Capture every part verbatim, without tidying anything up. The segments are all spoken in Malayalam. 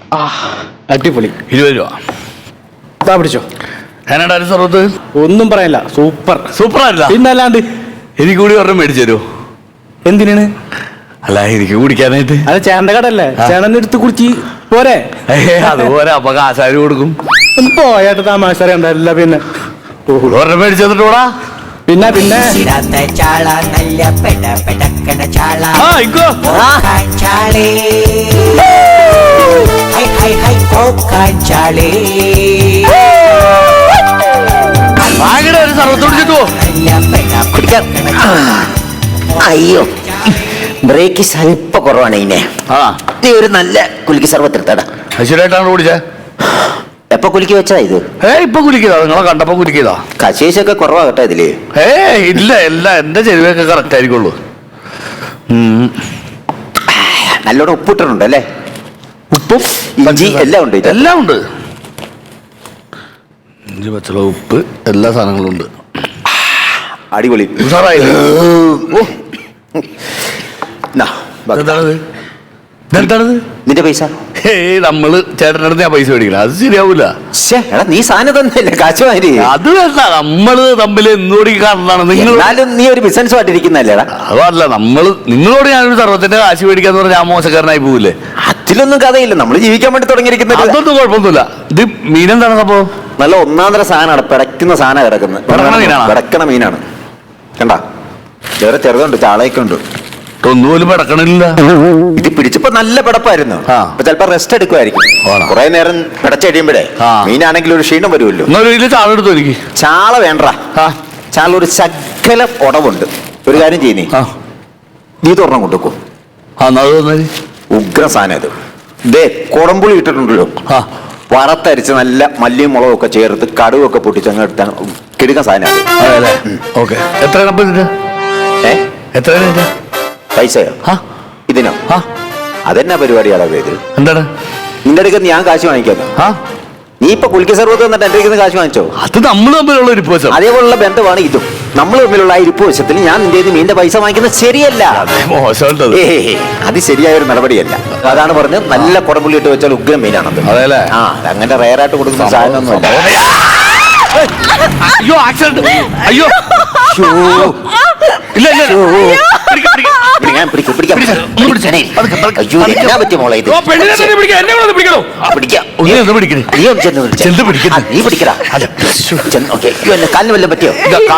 അടിപൊളി. ഇരുപത് രൂപ പിടിച്ചോ. ഞാനാണ് സർവത്ത്. ഒന്നും പറയല്ല, സൂപ്പർ സൂപ്പർ ആയില്ല. പിന്നല്ലാണ്ട് എനിക്ക് കൂടി ഒരെണ്ണം മേടിച്ചു തരുമോ? എന്തിനാണ്? അല്ല എനിക്ക് കുടിക്കാനായിട്ട്. അത് ചേട്ടന്റെ കടല്ലേ, ചേട്ടൻ എടുത്ത് കുടിച്ച് പോരെ. അതുപോലെ അപ്പൊ കാശാരി കൊടുക്കും. പോയാട്ട് തമാശ അറിയണ്ടല്ല. പിന്നെ ഒരെണ്ണം മേടിച്ചു തന്നിട്ടൂടാ. പിന്നെ പിന്നെ ഒരു സർവത്ത് കുടിച്ചിട്ടോ. അയ്യോ, ബ്രേക്ക് സ്വല്പ കുറവാണ്. ഇന്നെ നീ ഒരു നല്ല കുലുക്കി സർവത്ത് എടുത്തടാ. ശരിയായിട്ടാണ് കുടിച്ചേ. എപ്പൊ കുലുക്കി വെച്ചതാ ഇത്? ഏ ഇപ്പൊ കുലിക്കതാ, നിങ്ങളെ കണ്ടപ്പോ കുലിക്കതാ. കശേഷൊക്കെ കുറവാ കേട്ടോ ഇതില്. ഏ ഇല്ല, എല്ലാം എന്റെ ചെരുവൊക്കെ കറക്റ്റ് ആയിരിക്കുള്ളൂ. നല്ലോണം ഉപ്പിട്ടിട്ടുണ്ട് അല്ലേ? ഉപ്പും ഇഞ്ചി എല്ലാം ഉണ്ട്. എല്ലാം ഉണ്ട്. ഇഞ്ചി, പച്ചമുളക്, ഉപ്പ്, എല്ലാ സാധനങ്ങളും ഉണ്ട്. അടിപൊളി. നിന്റെ പൈസ ഏയ് നമ്മള് ചേട്ടൻ്റെ അടുത്ത് ഞാൻ പൈസ മേടിക്കണം, അത് ശരിയാവൂല. നീ സാധനം തന്നെയല്ലേ കാശുമാരി. അത് വേണ്ട, നമ്മള് തമ്മിൽ എന്നോട് കാണുന്നതാണ്. നിങ്ങളും നീ ഒരു ബിസിനസ്സുമായിട്ടിരിക്കുന്നല്ലേടാ. അതല്ല, നമ്മള് നിങ്ങളോട് ഞാനൊരു സർവത്തിന്റെ കാശ് മേടിക്കാന്ന് പറഞ്ഞാൽ ഞാൻ മോശക്കാരനായി പോവില്ലേ? അതിലൊന്നും കഥയില്ല, നമ്മള് ജീവിക്കാൻ വേണ്ടി തുടങ്ങിയിരിക്കുന്നത്. അതൊന്നും കുഴപ്പമൊന്നുമില്ല. ഇത് മീനെന്താണ് അപ്പോ? നല്ല ഒന്നാന്തര സാധനമാണ്, പിടയ്ക്കുന്ന സാധനം കിടക്കുന്നത്. പിടക്കണ മീനാണ് കണ്ടാ. വേറെ ചെറുതുണ്ട്, ചാളയൊക്കെ ഉണ്ട്. ഒന്നുപോലും പിടക്കണില്ല. ഇത് പിടിച്ചപ്പോ നല്ല പിടപ്പായിരുന്നു. അപ്പൊ ചിലപ്പോ റെസ്റ്റ് എടുക്കുമായിരിക്കും. കുറെ നേരം പിടച്ചഴിയുമ്പോഴേ മീനാണെങ്കിൽ ഒരു ക്ഷീണം വരുമല്ലോ. ചാള എടുത്തു എനിക്ക്. ചാള വേണ്ട, ചാള ഒരു ശകല ഉടവുണ്ട്. ഒരു കാര്യം ചെയ്യുന്നേ, നീ തുറണം കൊണ്ടുവെക്കും. ഉഗ്ര സാധനം ഇത്. ഇതേ കുടംപുളി ഇട്ടിട്ടുണ്ടല്ലോ, വറുത്തരിച്ച് നല്ല മല്ലിയും മുളകും ഒക്കെ ചേർത്ത് കടുവൊക്കെ പൊട്ടിച്ച് അങ്ങ് എടുത്താൽ കിടുക്കാൻ സാധനമാണ്. എത്ര പൈസയോ ഇതിനോ? അതെന്നാ പരിപാടിയാണോ ഇത്? എന്താണ് നിന്റെ അടുത്ത് ഞാൻ കാശ് വാങ്ങിക്കാനോ? നീ ഇപ്പൊ കുലുക്കി സർവത്ത് വന്നിട്ട് എന്റെ അടുത്ത് കാശ് വാങ്ങിച്ചോ? അത് നമ്മൾ തമ്മിലുള്ള ഇരിപ്പ് വശം. അതേപോലുള്ള ബന്ധമാണ് ഇതും. നമ്മൾ തമ്മിലുള്ള ആ ഇരിപ്പ് വശത്തിൽ ഞാൻ നിന്റെ മീന്റെ പൈസ വാങ്ങിക്കുന്നത് ശരിയല്ല. ഏ അത് ശരിയായ ഒരു നടപടിയല്ല. അതാണ് പറഞ്ഞത്, നല്ല കുടംപുള്ളി ഇട്ട് വെച്ചാൽ ഉഗ്രം മീനാണത്. അതെല്ലേ? ആ അങ്ങനെ റയറായിട്ട് കൊടുക്കുന്ന സാധനമൊന്നുമല്ല. അയ്യോ ആക്സിഡന്റ്! അയ്യോ ഇല്ല ഇല്ല പറ്റിയ മോളെ ഇത്. കാലിന് വല്ലതും പറ്റിയോ?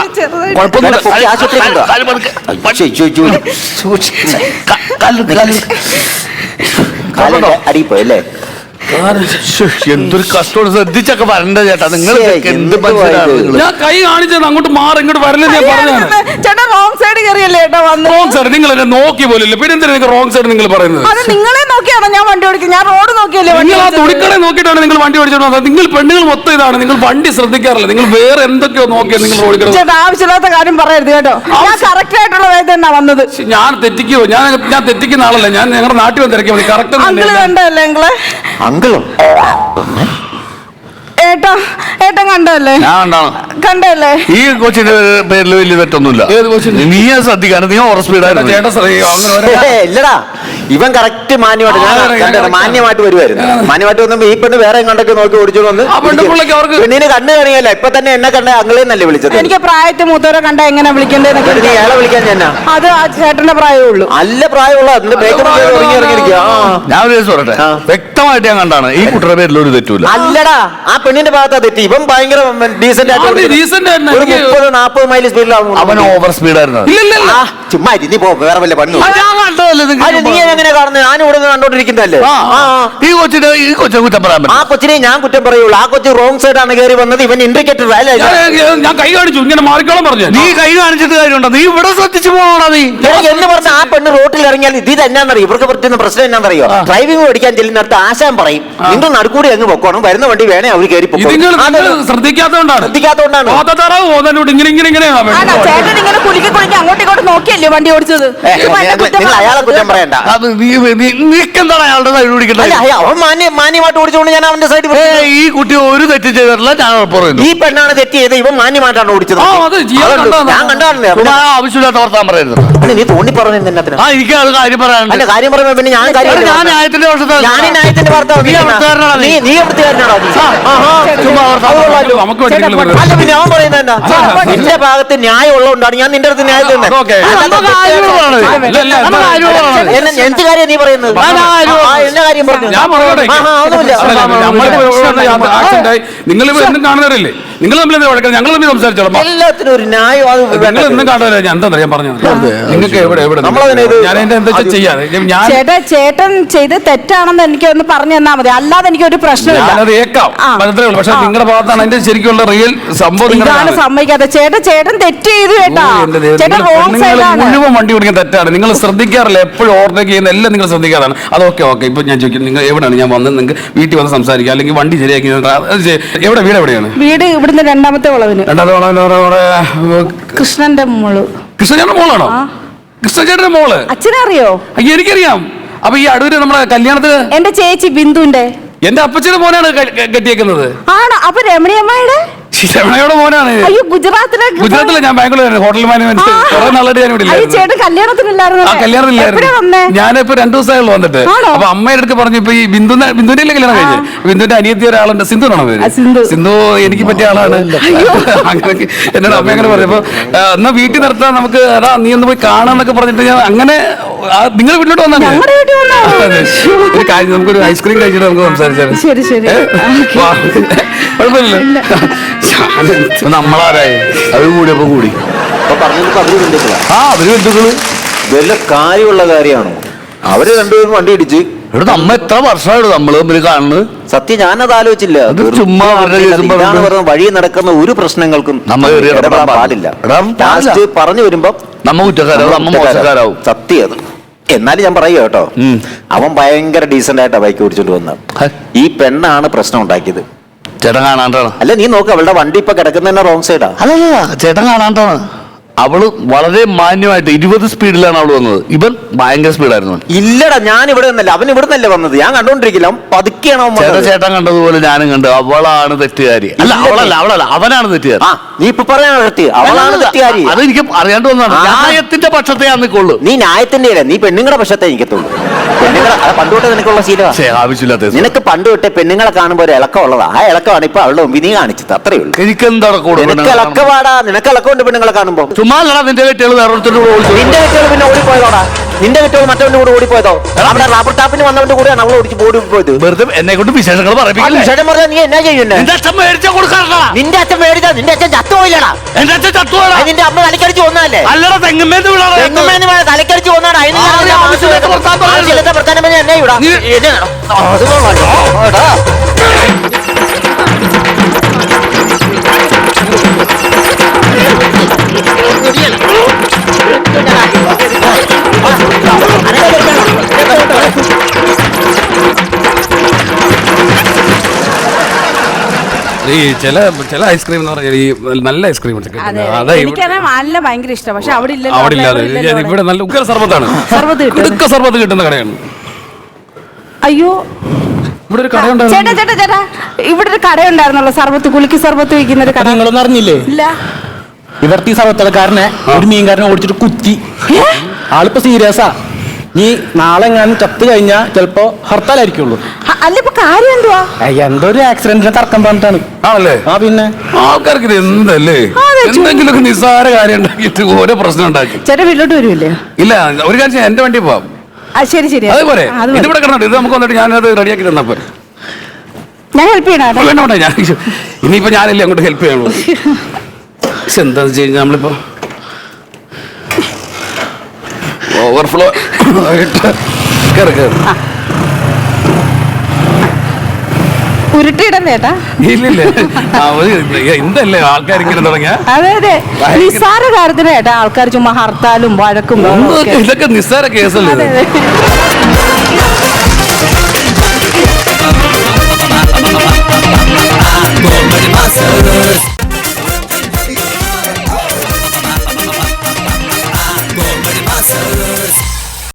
അടി പോയല്ലേ? എന്തൊരു കഷ്ടമാണ്. ശ്രദ്ധിച്ചൊക്കെ വരണ്ട ചേട്ടാ. നിങ്ങൾ എന്ത് ഞാൻ കൈ കാണിച്ചത് അങ്ങോട്ട് മാറി ഇങ്ങോട്ട് വരല്ലേ ഞാൻ പറഞ്ഞു. ചേട്ടാ റോങ് സൈഡ് കയറിയല്ലേ ചേട്ടാ വന്നത്. റോങ് സൈഡ് നിങ്ങൾ എന്നെ നോക്കി പോലില്ല. പിന്നെ എന്തിനാ നിങ്ങൾ റോങ് സൈഡ് നിങ്ങൾ പറയുന്നത്? അത് നിങ്ങളെ നോക്കിയാണോ ഞാൻ വണ്ടി ഓടിക്കുന്നത്? ഞാൻ റോഡ് നോക്കിയല്ലേ. നിങ്ങൾ ആ തുണിക്കട നോക്കിയിട്ടാണ് നിങ്ങൾ വണ്ടി ഓടിച്ചോണ്ടത്. നിങ്ങൾ പെണ്ണുങ്ങൾ മൊത്തം ഇതാണ്. നിങ്ങൾ വണ്ടി ശ്രദ്ധിക്കാറില്ല. നിങ്ങൾ വേറെ എന്തൊക്കെയോ നോക്കിയാ നിങ്ങൾ ഓടിക്കണം. ചേട്ടാ ആവശ്യമില്ലാത്ത കാര്യം പറയരുത് കേട്ടോ. ഞാൻ കറക്റ്റ് ആയിട്ടുള്ള വേദന തന്നെ വന്നത്. ഞാൻ തെറ്റിക്കോ? ഞാൻ ഞാൻ തെറ്റിക്കുന്ന ആളല്ല. ഞാൻ ഞങ്ങളുടെ നാട്ടിൽ വന്ന് തിരക്കിയാൽ മതി. കറക്റ്റ് കണ്ടല്ലേ നിങ്ങളെ? അങ്കിളോ ഏട്ടാ ഏട്ടൻ കണ്ടല്ലേ? ഞാൻ കണ്ടാണ്. കണ്ടല്ലേ? ഈ കൊച്ചിന്റെ പേരിൽ വലിയ തെറ്റൊന്നുമില്ല. നീ ശ്രദ്ധിക്കാണ്. നീ ഓവർ സ്പീഡായിരുന്നു. ഇല്ലടാ, ഇവൻ കറക്റ്റ് മാന്യമായിട്ട് മാന്യമായിട്ട് വരുമായിരുന്നു. മാന്യമായിട്ട് വന്നപ്പോ ഈ പെണ്ണ് വേറെ എങ്ങോട്ടൊക്കെ നോക്കി ഓടിച്ചോണ്ട് വന്ന് പെണ്ണിനെ കണ്ണു കാണിയല്ല. ഇപ്പൊ തന്നെ എന്നെ കണ്ട അങ്ങളെന്നല്ലേ വിളിച്ചത്. എനിക്ക് പ്രായത്തിൽ മൂത്തവരെ കണ്ട എങ്ങനെ വിളിക്കേണ്ടത്? നീ ഏളെ വിളിക്കാൻ ഞാൻ അത് ആ ചേട്ടന്റെ പ്രായമേ ഉള്ളൂ. നല്ല പ്രായമുള്ള ഞാൻ ഒരു ദിവസം പറയട്ടെ, വ്യക്തമായിട്ട് ഞാൻ കണ്ടാണ് ഈ കുട്ടിയുടെ പേരിൽ ഒരു തെറ്റൂല. അല്ലടാ, ആ പെണ്ണിന്റെ ഭാഗത്താ തെറ്റി. ഇവൻ ഭയങ്കര ഡീസന്റ് ആയിട്ട് മുപ്പത് നാപ്പത് മൈൽ സ്പീഡിലാവും. അവൻ ഓവർ സ്പീഡായിരുന്നു. ചുമ്മാ നീ പോ, വേറെ വല്ല പണി. നീ എങ്ങനെ കാണുന്നത്? ഞാൻ ഇവിടെ കണ്ടോണ്ടിരിക്കുന്നതല്ലേ. ഈ കൊച്ചിനെ ഈ കൊച്ചിനെ കുറ്റം പറയാൻ പറ്റും. ആ കൊച്ചിനെ ഞാൻ കുറ്റം പറയുള്ളൂ. ആ കൊച്ചു റോങ് സൈഡ് ആണ് കയറി വന്നത്. ഇവൻ ഇൻഡിക്കേറ്റർ അല്ലേ? ഞാൻ കൈ കാണിച്ചു, ഇങ്ങനെ മാറിക്കോളം പറഞ്ഞു. നീ കൈ കാണിച്ചിട്ട് കാര്യമുണ്ടോ? നീ ഇവിടെ ശ്രദ്ധിച്ചു പോകണോ? നീ എന്ന് പറഞ്ഞ ആ പെണ്ണ് റോട്ടിൽ ഇറങ്ങിയാൽ ഇത് എന്നാന്നറിയോ? ഇവർക്ക് പറ്റുന്ന പ്രശ്നം എന്നാന്നറിയോ? ഡ്രൈവിംഗ് പഠിക്കാൻ ചെല്ലുന്നിടത്ത് ആശാൻ പറയും, നിങ്ങൾ നടുക്കൂടി അങ്ങ് പൊക്കോണം, വരുന്ന വണ്ടി വേണേ അവർ കയറി ഇത് നിങ്ങൾ ശ്രദ്ധിക്കാത്തതുകൊണ്ടാണ് ശ്രദ്ധിക്കാത്തതുകൊണ്ടാണ് ഇങ്ങനെ ഇങ്ങനെ ഇങ്ങനെയാണ് ആണോ ചേട്ടൻ ഇങ്ങനെ കുലുക്കി കുലുക്കി അങ്ങോട്ടും ഇങ്ങോട്ടും നോക്കിയല്ലേ വണ്ടി ഓടിച്ചത് ഇപ്പൊ എന്നെ കുറ്റം നിങ്ങൾ അയാളെ കുറ്റം പറയണ്ട. അത് നീ നീക്കെന്താണ് അയാളുടെ സൈഡ് പിടിക്കണ്ടത്? അല്ല, അയ്യ, അവൻ മാന്യ മാന്യമായിട്ട് ഓടിച്ചുകൊണ്ട് ഞാൻ അവന്റെ സൈഡ് ഈ കുട്ടി ഒരു തെറ്റ് ചെയ്തിട്ടില്ല, ഞാൻ പറയുന്നു. ഈ പെണ്ണാണ് തെറ്റ് ചെയ്ത്, ഇവൻ മാന്യമായിട്ടാണ് ഓടിച്ചത്. ആ, അത് ചെയ്യാൻ അതുകൊണ്ട് കണ്ടതാണ്. ഞാൻ കണ്ടാണല്ലേ. ചുമ്മാ ആവശ്യമില്ലാത്ത വർത്താൻ പറയരുത്. അല്ല, നീ തോന്നി പറഞ്ഞു എന്നത്തിന്. ആ, എനിക്ക് അത് കാര്യം പറയാനുണ്ട്. അല്ല, കാര്യം പറയുമ്പോ പിന്നെ ഞാൻ കാര്യം ഞാൻ ന്യായത്തിന്റെ വർഷത്തെ ഞാൻ ഈ ന്യായത്തിന്റെ ഭർത്താവ്. നീ അവിടുത്തുകാരനാണോ നീ? നീ നീ അവിടുത്തുകാരനാണോ നീ? ആഹാ, ചുമ്മാ വർത്താനം അത് കൊള്ളാലോ. നമുക്ക് വേണ്ടി നിങ്ങൾ വെറുതെ- അല്ല, പിന്നെ അവൻ പറയുന്നത് എന്താ? നിന്റെ ഭാഗത്ത് ന്യായം ഉള്ളതുകൊണ്ടാണ് ഞാൻ നിന്റെ അടുത്ത് ന്യായം തന്നെ. ഓക്കേ. നമുക്ക് ആരോടാണ്? ഇല്ല, ഇല്ല, നമുക്ക് ആരോടാണ്? എന്നെ എന്ത് കാര്യം നീ പറയുന്നത്? ഞാൻ ആരോട്? ആ, എന്നെ കാര്യം പറഞ്ഞു. ഞാൻ പറയട്ടെ. ആഹാ, ഒന്നുമില്ല. അല്ല, നമ്മളിപ്പോ ഇവിടെ ആക്സിഡന്റ് ആയി. നിങ്ങൾ ഇപ്പൊ എന്നും കാണുന്നവരല്ലേ? നിങ്ങൾ തമ്മിൽ എന്താ വഴക്കം? ഞങ്ങൾ തമ്മിൽ സംസാരിച്ചോളാം. എല്ലാത്തിനും ഒരു ന്യായം. അത് നിങ്ങൾ എന്നും കാണുന്നവരെ ഞാൻ എന്താ ഞാൻ പറഞ്ഞു. നിങ്ങൾക്ക് എവിടെ എവിടെ നമ്മളതിനെ ഇത് ഞാൻ എന്റെ എന്താ ചെയ്യാതെ ഞാൻ ചേട്ടാ ചേട്ടൻ ചെയ്ത് തെറ്റാണെന്ന് എനിക്ക് ഒന്ന് പറഞ്ഞു തന്നാ മതി, അല്ലാതെ എനിക്ക് ഒരു പ്രശ്നമില്ല. ഞാനത് ഏക്കാം ആ. മനസ്സിലേ ഉള്ളൂ. പക്ഷെ നിങ്ങളുടെ ഭാഗത്താണ് അതിന്റെ ശരിക്കുള്ള റിയൽ സംഭവം. ഇതാണ് നിങ്ങളുടെ സമ്മതിക്കാതെ ചേട്ടൻ ചേട്ടൻ തെറ്റ് ചെയ്തു കേട്ടാ. ചേട്ടൻ റോങ് നിങ്ങൾ സൈഡാണ്. മുഴുവൻ വണ്ടി ഓടിക്കാൻ തെറ്റാണ്. നിങ്ങൾ ശ്രദ്ധിക്കാറില്ല, എപ്പോഴും ഓവർടേക്ക് ചെയ്യുന്ന എല്ലാം നിങ്ങൾ ശ്രദ്ധിക്കാറാണ്. അതൊക്കെ ഓക്കെ. ഇപ്പൊ ഞാൻ ചോദിക്കും, നിങ്ങൾ എവിടെയാണ്? ഞാൻ വന്ന് നിങ്ങൾക്ക് വീട്ടിൽ വന്ന് സംസാരിക്കുക, അല്ലെങ്കിൽ വണ്ടി ശരിയാക്കി എവിടെ വീട് എവിടെയാണ്? വീട് ഇവിടുന്ന് രണ്ടാമത്തെ വളവിന് രണ്ടാമത്തെ വളവിന് കൃഷ്ണന്റെ മോള്. കൃഷ്ണചേട്ടന്റെ മോളാണോ? കൃഷ്ണചേട്ടന്റെ മോള് അച്ഛനറിയോ? അയ്യോ, എനിക്കറിയാം. അപ്പൊ ഈ അടൂര് നമ്മളെ കല്യാണത്തിന് എന്റെ ചേച്ചി ബിന്ദുന്റെ എന്റെ അപ്പച്ചന്റെ മോനാണ് ക- ക- കെട്ടിയേക്കുന്നത്. ആണോ? അപ്പൊ രമണിയമ്മയുടെ രമണയുടെ മോനാണ്. അയ്യോ, ഗുജറാത്തിലേക്ക് ഗുജറാത്തിലെ ഞാൻ ബാംഗ്ലൂർ ഹോട്ടൽ മാനേജ്മെന്റ് കുറെ നാളായിട്ട് ഞാൻ ഇവിടെ അയ്യോ, ഇല്ലായിരുന്നു. ചേട്ടൻ കല്യാണത്തിനില്ലായിരുന്നു. ആ കല്യാണത്തിലായിരുന്നു. ഞാനിപ്പോ രണ്ടു ദിവസമായുള്ളൂ വന്നിട്ട്. ആണോ? അപ്പൊ അമ്മയുടെ അടുത്ത് പറഞ്ഞു, ഇപ്പൊ ഈ ബിന്ദു ബിന്ദുവിന്റെ കല്യാണം കഴിഞ്ഞു. ബിന്ദുവിന്റെ അനിയത്തി ഒരാളുണ്ട്, സിന്ധു ആണോ പേര്? ആ, സിന്ധു. സിന്ധു എനിക്ക് പറ്റിയ ആളാണ്. അങ്ങനെ എന്നോട് അമ്മ അങ്ങനെ പറഞ്ഞപ്പോ എന്നാ വീട്ടിൽ നിർത്താൻ നമുക്ക്, അതാ നീ ഒന്ന് പോയി കാണാന്നൊക്കെ പറഞ്ഞിട്ട് ഞാൻ അങ്ങനെ നിങ്ങൾ വീട്ടിലോട്ട് വന്നാ മതി. ഞങ്ങളുടെ വീട്ടിൽ വന്നാ മതി. ഒരു കാര്യം, നമുക്കൊരു ഐസ്ക്രീം കഴിച്ചിട്ട് നമുക്ക് സംസാരിച്ചാൽ ശരി ശരി. കുഴപ്പമില്ല. നമ്മളാരായി അത് കൂടിയപ്പോ കൂടി അപ്പൊ പറഞ്ഞത് അവര് ബന്ധുക്കളാ. ആ അവര് ബന്ധുക്കള് വല്ല കാര്യമുള്ള കാര്യമാണോ? അവര് രണ്ടുപേരും വണ്ടി ഇടിച്ച്. ഇവിടെ നമ്മ എത്ര വർഷമായിട്ട് നമ്മള് തമ്മിൽ കാണുന്നത്? സത്യം ഞാനത് ആലോചിച്ചില്ല. അത് ചുമ്മാ അവരുടെ കേസും ഇതാണ് പറഞ്ഞ് പറഞ്ഞത്, വഴി നടക്കുന്ന ഒരു പ്രശ്നങ്ങൾക്കും നമ്മ കയറി ഇടപെടാൻ ഇടപെടാൻ പാടില്ല. പാടില്ല. ഇടാൻ പാടില്ല. ലാസ്റ്റ് പറഞ്ഞു വരുമ്പോ നമ്മ കുറ്റക്കാരാവും, നമ്മ മോശക്കാരാവും. സത്യം അത്. എന്നാലും ഞാൻ പറയുക കേട്ടോ, ഉം. അവൻ ഭയങ്കര ഡീസന്റ് ആയിട്ടാ ബൈക്ക് ഓടിച്ചോണ്ട് വന്നത്. ഹെ. ഈ പെണ്ണാണ് പ്രശ്നം ഉണ്ടാക്കിയത്. ചേട്ടൻ കാണാണ്ടാണ്. അല്ല, നീ നോക്ക്, അവളുടെ വണ്ടി ഇപ്പൊ കിടക്കുന്ന റോങ് സൈഡാ. അല്ലല്ല, ചേട്ടൻ കാണാണ്ടാണ്. അവള് വളരെ മാന്യമായിട്ട് ഇരുപത് സ്പീഡിലാണ് അവള് വന്നത്. ഇവൻ ഭയങ്കര സ്പീഡായിരുന്നു. ഇല്ലടാ, ഞാൻ ഇവിടെ നിന്നല്ല, അവൻ ഇവിടെ നിന്നല്ലേ വന്നത്. ഞാൻ കണ്ടോണ്ടിരിക്കില്ല, അവൻ പതുക്കെയാണ് അവൻ ചേട്ടൻ വന്നത്. ചേട്ടൻ കണ്ടതുപോലെ ഞാനും കണ്ടു. അവളാണ് തെറ്റുകാരി. അല്ല, അവളല്ല അവളല്ല അവനാണ് തെറ്റുകാരി. ആ, നീ ഇപ്പൊ പറയാൻ പറ്റി, അവളാണ് തെറ്റുകാരി. അത് എനിക്ക് അറിയാണ്ട് വന്നതാണ്. ആ. ന്യായത്തിന്റെ പക്ഷത്തെ ഞാൻ നിൽക്കുള്ളൂ. നീ ന്യായത്തിന്റെ അല്ല, നീ പെണ്ണുങ്ങളുടെ പക്ഷത്തെ എനിക്കത്തുള്ളൂ. പെണ്ണുങ്ങളെ അത് പണ്ട് തൊട്ടേ നിനക്കുള്ള ശീലമാണ്. പക്ഷേ ആവശ്യമില്ലാത്ത നിനക്ക് പണ്ട് തൊട്ടേ പെണ്ണുങ്ങളെ കാണുമ്പോൾ ഒരു ഇളക്കം ഉള്ളതാ. ആ ഇളക്കമാണ് ഇപ്പൊ അവളുടെ മുമ്പിൽ നീ കാണിച്ചത്. അത്രേ ഉള്ളൂ. എനിക്കെന്താ കൂടെ നിനക്ക് ഇളക്കവാടാ, നിനക്ക് ഇളക്കമുണ്ട് പെണ്ണുങ്ങളെ കാണുമ്പോ. ചുമ്മാ നിന്റെ കെട്ടികൾ വേറൊരുത്തരുടെ കൂടെ ഓടിച്ചു. നിന്റെ കെട്ടുകൾ പിന്നെ ഓടിപ്പോയതോടാ. നിന്റെ കെട്ടുകൾ മറ്റവന്റെ കൂടെ ഓടിപ്പോയതോ? അവിടെ റബ്ബർ ടാപ്പിന് വന്നവന്റെ കൂടെയാണ് അവൾ ഓടിച്ച് ഓടി പോയത്. വെറുതെ എന്നെ കൊണ്ട് വിശേഷങ്ങൾ പറയിപ്പിക്കില്ലേ? വിഷയം പറഞ്ഞാൽ നീ എന്നാ ചെയ്യുന്നേ? നിന്റെ അച്ഛൻ മേടിച്ച കൊടുക്കാറില്ല. നിന്റെ അച്ഛൻ മേടിച്ചാ നിന്റെ അച്ഛൻ ചത്തുപോയില്ലടാ. എന്റെ അച്ഛൻ ചത്തുവാടാ. അത് നിന്റെ അമ്മ തലക്കടിച്ച് കൊന്നതല്ലേ? അല്ലടാ, തെങ്ങുമേന്ന് വീണാടാ. തെങ്ങുമേന്ന് വീണ തലക്കടിച്ച് കൊന്നാടാ. അതിന് ആ, നീ ആവശ്യമില്ലാത്ത വർത്താനം പറയരുത്. ആവശ്യമില്ലാത്ത വർത്താനം പറഞ്ഞാൽ എന്നാ ഇവിടെ? നീ- എന്നാ? അത് കൊള്ളാം. എടാ. ഈ ചില ചില ഐസ്ക്രീം എന്ന് പറഞ്ഞാൽ ഈ നല്ല ഐസ്ക്രീം അതെ, എനിക്കറിയാം നല്ല ഭയങ്കര ഇഷ്ടം. പക്ഷെ അവിടെ ഇല്ലല്ലോ, അവിടെ ഇല്ലാതെ അവിടെ ഇല്ലല്ലോ അവിടെ. ഇവിടെ നല്ല ഉഗ്ര സർബത്താണ്. സർബത്ത് കിട്ടും. ഇടുക്ക സർബത്ത് കിട്ടുന്ന കടയാണ്. അയ്യോ, ഇവിടെ ഒരു ചേട്ടാ കടയുണ്ടായിരുന്നു. ചേട്ടാ ചേട്ടാ ഇവിടെ ഒരു കടയുണ്ടായിരുന്നല്ലോ, സർബത്ത് കുലുക്കി സർബത്ത് വയ്ക്കുന്ന ഒരു കട. നിങ്ങളൊന്നും അറിഞ്ഞില്ലേ? ഇല്ല. ഇവിടുത്തെ ഈ സർവത്തടക്കാരനെ ഒരു മീൻകാരനെ ഓടിച്ചിട്ട് കുത്തി. ആളിപ്പോ സീരിയസാ. നീ നാളെ ഞാൻ ചത്ത് കഴിഞ്ഞാ ചിലപ്പോ ഹർത്താലായിരിക്കുള്ളൂ. അ- അല്ല, ഇപ്പൊ കാര്യം എന്തുവാ? ഏയ്, എന്തോ ഒരു ആക്സിഡന്റിനെ തർക്കം പറഞ്ഞിട്ടാണ്. ആണല്ലേ? ആ പിന്നെ ആൾക്കാർക്ക് ഇത് എന്തല്ലേ, അതെ, ചു- എന്തെങ്കിലുമൊക്കെ നിസ്സാര കാര്യം ഉണ്ടാക്കിയിട്ട് ഓരോ പ്രശ്നം ഉണ്ടാക്കി. ചേട്ടാ വീട്ടിലോട്ട് വരുമല്ലേ? ഇല്ല, ഒരു കാര്യം ചെയ്യാം, എന്റെ വണ്ടി പോവാം. ആ, ശരി ശരി. അതുപോലെ ആ, അത് മതി. ഇതിവിടെ കിടന്നിട്ട് ഇത് നമുക്ക് വന്നിട്ട് ഞാനത് റെഡിയാക്കി തന്നപ്പോ ഞാൻ ഹെൽപ്പ് ചെയ്യണം കേട്ടോ. വേണ്ട വേണ്ട, ഞാൻ ഇനിയിപ്പോ ഞാനല്ലേ അങ്ങോട്ട് ഹെൽപ്പ് ചെയ്യാനുള്ളൂ. പക്ഷെ എന്താന്ന് വെച്ച് കഴിഞ്ഞാൽ നമ്മളിപ്പോ ഓവർഫ്ലോ ആയിട്ട് കയറി കയറി ഉരുട്ടിയിടല്ലേ ചേട്ടാ? ഇല്ലില്ല, എന്തല്ലേ ആൾക്കാർ ഇങ്ങനെ തുടങ്ങിയ അതെ അതെ, നിസ്സാര കാര്യത്തിന് ചേട്ടാ ആൾക്കാർ ചുമ്മാ ഹർത്താലും വഴക്കും ബഹളവും ഒക്കെ. ഇതൊക്കെ നിസ്സാര കേസല്ലേ? അതെ അതെ.